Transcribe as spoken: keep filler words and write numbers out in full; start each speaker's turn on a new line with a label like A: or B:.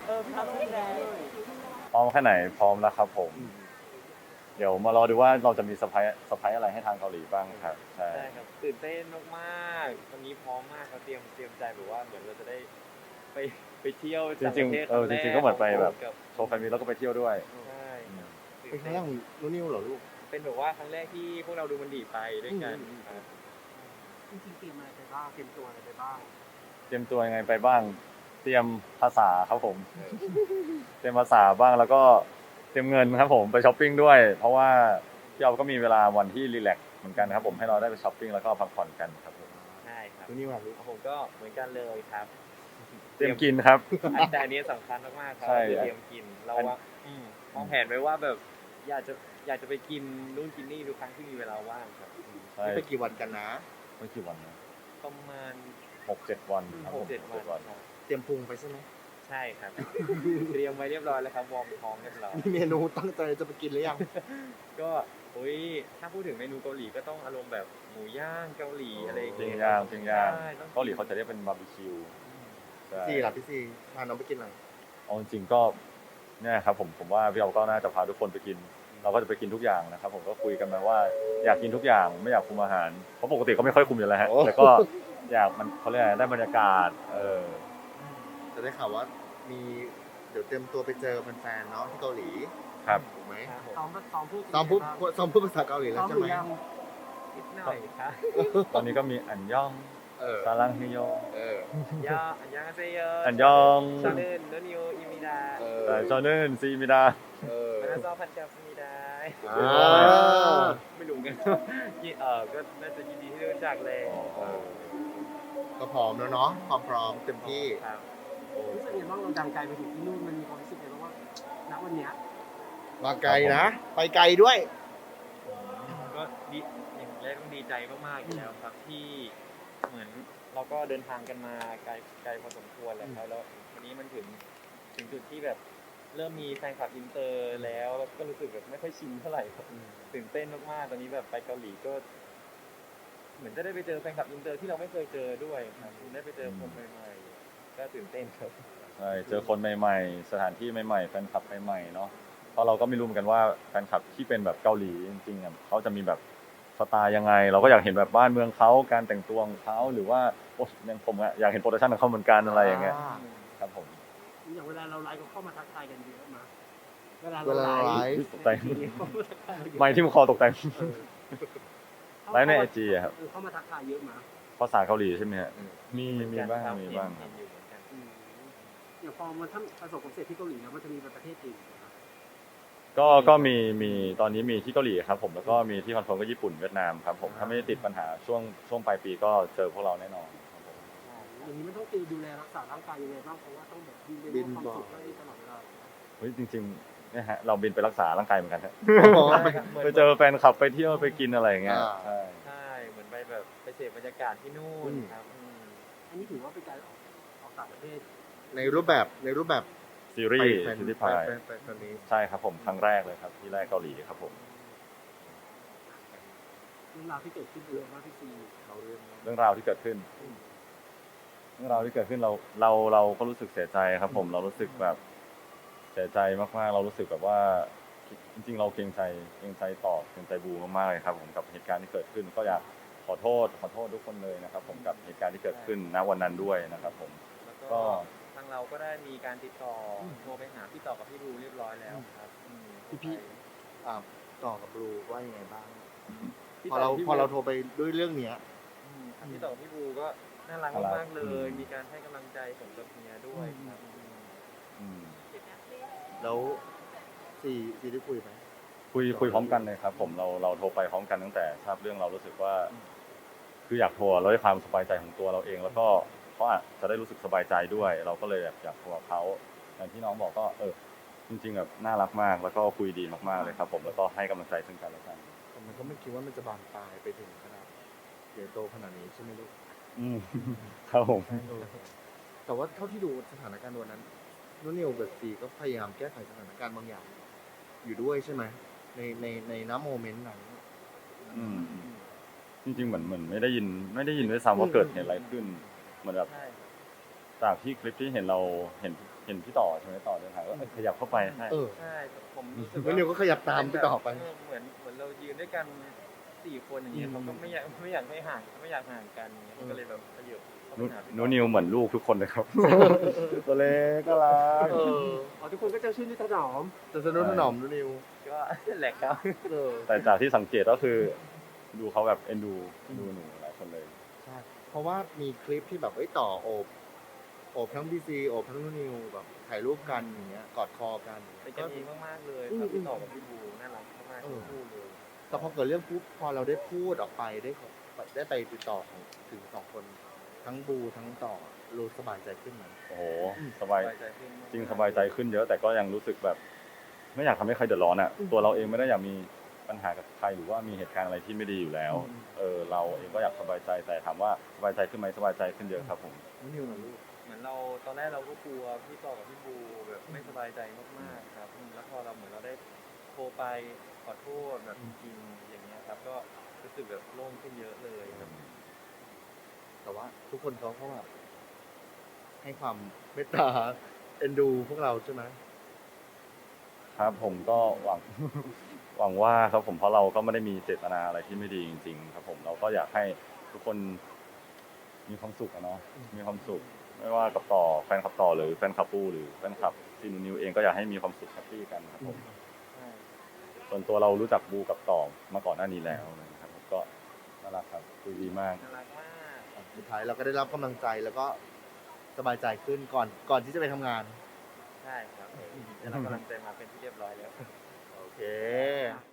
A: ออพี่ท็อปช่วยแชร์
B: พร้อมแค่ไหนพร้อมแล้วครับผมเดี๋ยวมารอดูว่าเราจะมีเซอร์ไพรส์เซอร์ไพรส์อะไรให้ทางเกาหลีบ้างครับใช่
A: ใช่ครับตื่นเต้นมากๆวันนี้พร้อมมากเราเตรียมเตรียมใจแบบว่าเหมือนเราจะได้ไปไปเที่ยว
B: จ
A: ต่าง
B: ริ
A: ป
B: ง
A: ระเทศ
B: ๆเออจริงๆก็เหมือนไปแบบ
A: กับ
B: โชว์แฟนมีแล้วก็ไปเที่ยวด้วย
A: ใช่
C: เป็นครั้งแรกของนุ่นนิวเหรอลูก
A: เป็นแบบว่าครั้งแรกที่พวกเราดูมันดีไปด้วยกัน
C: อืม
A: ครับ
D: จริงๆเตรียมอะไรไปบ้างเตรียมตัวอะไรไปบ้าง
B: เตรียมตัวยังไงไปบ้าง เตรียมภาษาครับผม เตรียมภาษาบ้างแล้วก็เตรียมเงินครับผมไปช้อปปิ้งด้วย เพราะว่าพี่เอาก็มีเวลาวันที่รีแลกซ์เหมือนกันครับผมให้เราได้ไปช้อปปิ้งแล้วก็พักผ่อนกันครับผม
A: ใช่ครับ
C: นุ่นนิวอะลูก
A: ผมก็เหมือนกันเลยครับ
B: เตรียมกินครับ
A: อันแต่อันนี้สำคัญมากๆครั
B: ใช่
A: คือเตรียมกินเราว่าอืมวางแผนไว้ว่าแบบอยากจะอยากจะไปกินนู่นกินนี่ทุกครั้งที่มีเวลาว่างครับอืม
B: ใช่
C: นี่ไปกี่วันกันนะ
B: ไม่กี่วันนะ
A: ประมาณ
B: หกเจ็ดวันครับ
A: ห
B: ผ
A: ก
B: ม
A: เจ็ด
B: หก
A: วัน
B: เจ็ดวัน
A: ครับ
C: เตรียมพุงไปใช่ไหม
A: ใช่ครับ เตรียมไว้เรียบร้อยแล้วครับวอร์มท้องเรียบร้อย
C: มีเมนูตั้งใจจะไปกินหรือยัง
A: ก็อุ้ยถ้าพูดถึงเมนูเกาหลีก็ต้องอารมณ์แบบหมูย่างเกาหลีอะไรอย่าง
B: ปิ้ง
A: เงี้ย
B: ย่างปิ้งย่าง
A: ใช่ต้อง
B: เกาหลีเขาจะเรียกเป็นบาร์บีคิวใช่
C: ซีล่ะพี่ซีพาน้องไปกินอะไร
B: เอาจริงๆก็เนี่ยครับผมผมว่าพี่เอาก็น่าจะพาทุกคนไปกิน เราก็จะไปกินทุกอย่างนะครับผมก็คุยกันมาว่าอยากกินทุกอย่างไม่อยากคุมอาหารเพราะปกติก็ไม่ค่อยคุมอยู่แล้วฮะแต่ก็อยากมันเขาเรียกอะไรได้บรรยากาศเออ
C: จะได้ข่าวว่ามีเดี๋ยวเตรียมตัวไปเจอแฟนๆเนาะที่เกาหลี
B: ครับ
C: ถูกไหม
A: ครับผม
D: ซ้อมซ้อมพูด
C: ซ้อมพูดซ้อมพูดภาษาเกาหลีแล้
D: ซ้
C: ว
D: อม
C: ใช่
D: ห
C: ไห
D: รื
C: ม
D: อยัง
A: นิดหน่อยครับ
B: ตอนนี้ก็มีอันยอง
C: เออ
B: ซาลังฮิโย
C: เออ
A: ยออันยังอาเซโย
B: อันยอง
A: ชาเนนโนนิโออิมิดา
C: เออ
B: แต่จอนึนซีมิดา
C: เออ
A: มานาซอพันกับสมิดา
C: อ่า
A: ไม่รู้กันยี่เออก็น่าจะยินดีที่ได้รู้จักเลย
C: เออก็พร้อมแล้วเนาะความพร้อมเต็มที่
A: ครับ
D: รู้สึกยังไงบ้างเราดังไกลไปถึงที่นู่นมันมีความรู้สึกยังไงบ้างว่าณวันเนี้ย
C: มาไกลนะ ไปไกลด้วย
A: ก็ดีอย่างแรกต้องดีใจมากๆอยู่แล้วครับที่เหมือนเราก็เดินทางกันมาไกลไกลพอสมควรแล้วครับแล้ววันนี้มันถึงถึงจุดที่แบบเริ่มมีแฟนคลับอินเตอร์แล้วแล้วก็รู้สึกแบบไม่ค่อยชินเท่าไหร่ครับตื่นเต้นมากๆตอนนี้แบบไปเกาหลีก็ เหมือนจะได้ไปเจอแฟนคลับอินเตอร์ที่เราไม่เคยเจอด้วยครับได้ไปเจอคนใหม่ๆก็ตื่นเต้นครับ
B: ใช่เจอคนใหม่ๆ สถานที่ใหม่ๆแฟนคลับใหม่ๆเนาะเพราะเราก็ไม่รู้เหมือนกันว่าแฟนคลับที่เป็นแบบเกาหลีจริงๆอ่ะเขาจะมีแบบสไตล์ยังไง เราก็อยากเห็นแบบบ้านเมืองเขาการแต่งตัวของเขาหรือว่าโอ้ยังผมอะอยากเห็นโปรดักชันของเขาเหมือนกันอะไรอย่างเงี้ยครับผม
D: อย่างเวลาเราไลฟ์ก็เข้ามาทักทายกันเยอะมาเวลา
C: เว
D: เรา
C: ลา
D: ไล
C: ไล
D: ฟ์
C: ฟ์
B: ตกใจ
D: เข้ามาทักทายเราเยอะ
B: ไม่ที่มันคอตกแต่ง
D: เออ
B: ไลฟ์ในไอจีอะครับ
D: เออเข้ามาทักทายเยอะมา
B: ภาษาเกาหลีใช่ไหมฮะ
C: อืม
B: มีมีบ้างมีบ้างครับ
A: อยู่เหมือนกัน
D: อืมอย่างพอมันถ้าประสบความสำเร็จที่เกาหลีแล้วมันจะมีไปประเทศอื่นไหมครับ
B: ก็ก็มีมีตอนนี้มีที่เกาหลีครับผมแล้วก็มีที่คอนเฟิร์มก็ญี่ปุ่นเวียดนามครับผมถ้าไม่ได้ติดปัญหาช่วงช่วงปลายปีก็เจอพวกเราแน่นอนครับผม
D: อย่างนี้มันต้องดูแลรักษาร่างกายยังไงบ้างเพราะว่าต้องแบบบินไป
C: บิน
D: ความ
C: บ่อย
D: สุขได้ตลอดเวลา
B: เฮ้ยจริงๆเนี่ยฮะเราบินไปรักษาร่างกายเหมือนกันฮะ
C: อ๋อ
A: ใช่ครับหมืน
B: ไปเจอแฟนคลับไปเที่ยวไปกินอะไรอย่างเงี้ย
C: อ่า
B: ใช่
A: ใช่เหมือนไปแบบไปเสพบรรยากาศที่นู่นครับอืม
D: อันนี้ถือว่าเป็นการออกออกต่างประเทศ
C: ในรูปแบบในรูปแบบ
B: ซีรีส์
C: แฟน
B: ซีรีส์
C: แฟ
B: พาย
C: นแฟนแฟนแฟนนี้
B: ใช่ครับผมครั้งแรกเลยครับที่แรกเกาหลีครับผม
D: เรื่องราวที่เกิดขึ้นเยอะมากพี่ซี
C: เราเรื่อง
B: เรื่องราวที่เกิดขึ้น เรื่องราวที่เกิดขึ้นเราเราเราก็รู้สึกเสียใจครับผมเรารู้สึกแบบเสียใจมากๆ เรารู้สึกแบบว่าจริงๆ เราเกรงใจเกรงใจต่อเกรงใจบูมากๆเลยครับผมกับเหตุการณ์ที่เกิดขึ้น ก็อยากขอโทษขอโทษทุกคนเลยนะครับ ผมกับเหตุการณ์ที่เกิดขึ้นณวันนั้นด้วยนะครับ ผม
A: แล้ว
B: ก็
A: ก็ทางเราก็ได้มีการติดต่ออโทรไปหาพี่ต่อกับพี่รูเรียบร้อยแล้วครับอืม
C: พี่พี่ อ่าต่อกับบลูว่ายังไงบ้าง
A: พี่
C: พอ
A: ต่
C: เรา
A: กับพี่
C: พอเรา
A: บู
C: โทรไปด้วยเรื่องเนี้ย
A: อืมครับพี่ต่อกับพี่บูก็น่ารัก
B: น่ารัก
A: มากๆเลย
B: อืม
A: มีการให้กำลังใจผมกับเมียด้วยครับ
B: อืม
C: แล้วซีซีได้คุยไหม
B: คุยคุยพร้อมกันเลยครับ ผมเราเราโทรไปพร้อมกันตั้งแต่ทราบเรื่องเรารู้สึกว่า คืออยากโทรเราได้ความสบายใจของตัวเราเอง แล้วก็เขาอาจจะได้รู้สึกสบายใจด้วย เราก็เลยแบบอยากโทรกับเขาอย่างที่น้องบอกก็เออจริงๆแบบน่ารักมากแล้วก็คุยดีมากๆเลยครับ ผมแล้วก็ให้กำลังใจซึ่งกันและกัน
C: แต่มันก็ไม่คิดว่ามันจะบานปลายไปถึงขนาดใหญ่โตขนาดนี้ใช่ไหมลูก
B: อืมครับผม
C: เออแต่ว่าเท่าที่ดูสถานการณ์วันนั้นนุ่นนิวกับซีก็พยายามแก้ไขสถานการณ์บางอย่าง อยู่ด้วยใช่ไหมในในในน้ำโมเมนต์นั้น
B: อืมจริงๆเหมือนเหมือนไม่ได้ยิน ไม่ได้ยินด้วยซ้ำว่าเกิดเหตุอะไรขึ้น เหมือนแบบ
A: ใช่ครับ
B: จากที่คลิปที่เห็นเราเห็นเห็นพี่ต่อใช่ไหมต่อเดินผ่านก็เอ้ยขยับเข้าไปให้
C: เออ
A: ใช่แต่ผมรู้สึก
C: แล้วนิวก็ขยับตามไปต่อไป
A: เเหมือนเหมือนเรายืนด้วยกันสี่คนอย่างเงี้ย
C: อืม
A: เขาก็ไม่อยากไม่อยากให้ห่างไม่อยากห่างกันอย่างเงี้ยเขาก็เลยแบบขยับเข้าไป
B: นุ
A: หาพี่
B: นุ
A: ต่อ
B: นิวเหมือนลูกทุกคนเลยครับ ตัวเล็กก็รัก
C: เออ
D: อ๋อทุกคนก็จะชื่นนิถนอม
C: จะสนุนถนอมดูนิว
A: ก็ แหละครับ
C: เออ
B: แต่จากที่สังเกตก็คือ ดูเขาแบบเอ็นดูดูหนูหลายคนเลย
C: ใช่เพราะว่ามีคลิปที่แบบเอ้ยต่อโอบโอบทั้งบีซีโอบทั้งนูนิวแบบถ่ายรูปกันอย่างเงี้ยกอดคอกัน
A: เป็นกันเองมากๆเลย
C: อืม
A: ครับพี่ต่อกับพี่บูน่ารักมากๆ
C: เออ
A: ทั้งคู่เลย
C: แต่พอเกิดเรื่องปุ๊บพอเราได้พูดออกไปได้ขอได้ไปติดต่อของถึงสองคน ทั้งบูทั้งต่อรู้สบายใจขึ้นไหม
B: โอ้โห
C: อืม
B: สบาย
A: สบายใจขึ้นมกๆ
B: จริงสบายใจขึ้นเยอะ แต่ก็ยังรู้สึกแบบ ไม่อยากทำให้ใครเดือดร้อนอ่ะ ตัวเราเองไม่ได้อยากมีปัญหากับใครหรือว่ามีเหตุการณ์อะไรที่ไม่ดีอยู่แล้ว
C: อืม
B: เออเราเองก็อยากสบายใจแต่ถามว่าสบายใจขึ้นไหมสบายใจขึ้นเยอะครับผม
C: นูนิวนะลูก
A: เหมือนเราตอนแรกเราก็กลัวพี่ต่อกับพี่บูแบบไม่สบายใจมากๆครับอืมแล้วพอเราเหมือนเราได้โทรไปขอโทษแบบจริงๆอย่างเงี้ยครับ ก็รู้สึกแบบโล่งขึ้นเยอะเลยครับ
C: แต่ว่าทุกคนเขาก็แบบให้ความเมตตาเอ็นดูพวกเราใช่ไหม
B: ครับผมก็หวัง หวังว่าครับผมเพราะเราก็ไม่ได้มีเจตนาอะไรที่ไม่ดีจริง ๆ ครับผมเราก็อยากให้ทุกคนมีความสุขอะเนาะมีความสุข ไม่ว่ากับต่อแฟนคลับต่อหรือแฟนคลับปูหรือแฟนคลับซีนูนิวเองก็อยากให้มีความสุขแฮปปี้กันครับผม
A: ใช่
B: ส่วนตัวเรารู้จักบูกับต่อมาก่อนหน้านี้แล้วนะครับผมก็น่ารักครับคุยดีมาก
A: น่ารักมาก
C: สุดท้ายเราก็ได้รับกำลังใจแล้วก็สบายใจขึ้นก่อนก่อนที่จะไปทำงาน
A: ใช่ครับได้รับกำลังใจมาเป็นที่เรียบร้อยแล้ว
C: โอเค